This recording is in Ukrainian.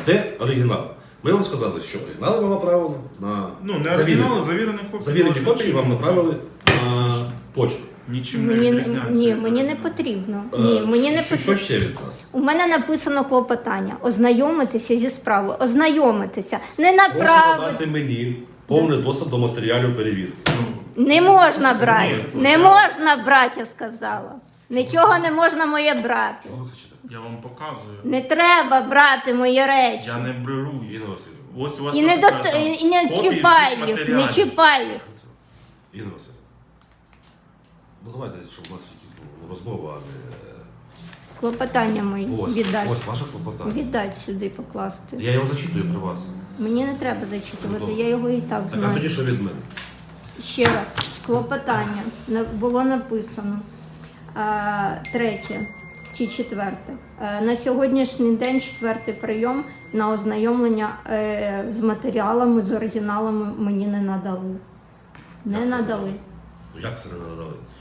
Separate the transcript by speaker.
Speaker 1: Де оригінал? Ми вам сказали, що оригінали вам направили на
Speaker 2: Ну, не оригінали, завірені копії.
Speaker 1: завірені копії вам направили на почту.
Speaker 2: Нічим не
Speaker 3: Мені,
Speaker 2: відрізняється.
Speaker 3: ні,
Speaker 2: від
Speaker 3: мені не
Speaker 2: оригіналу.
Speaker 3: потрібно. Ні, мені не
Speaker 1: Що
Speaker 3: потрібно.
Speaker 1: ще від нас?
Speaker 3: У мене написано клопотання. Ознайомитися зі справою. Ознайомитися. Не
Speaker 1: Прошу
Speaker 3: направити.
Speaker 1: надати мені повний доступ до матеріалів перевірки.
Speaker 3: Не можна брати.
Speaker 2: Ні,
Speaker 3: Не
Speaker 2: я-
Speaker 3: можна брати, я сказала. Нічого не можна моє брати.
Speaker 1: Чого ви хочете?
Speaker 2: Я вам показую.
Speaker 3: Не треба брати мої речі.
Speaker 2: Я не беру.
Speaker 1: Інна Васильівна.
Speaker 2: Ось у вас
Speaker 3: І не,
Speaker 2: написано, там,
Speaker 3: і не
Speaker 2: копії всіх
Speaker 3: чіпай їх, не
Speaker 2: матеріалів.
Speaker 3: чіпай їх.
Speaker 1: Інна Васильівна. Ну давайте, щоб у нас якісь розмова, а не...
Speaker 3: Клопотання мої
Speaker 1: Ось,
Speaker 3: віддать.
Speaker 1: ось ваше клопотання.
Speaker 3: Віддать сюди покласти.
Speaker 1: Я його зачитую при вас.
Speaker 3: Мені не треба зачитувати, я його і так
Speaker 1: Так, а
Speaker 3: знаю.
Speaker 1: тоді що від мене?
Speaker 3: Ще раз, клопотання було написано. Третє чи четверте. На сьогоднішній день четвертий прийом на ознайомлення з матеріалами, з оригіналами мені не надали. Не
Speaker 1: Як це
Speaker 3: надали.
Speaker 1: Ну як це не надали?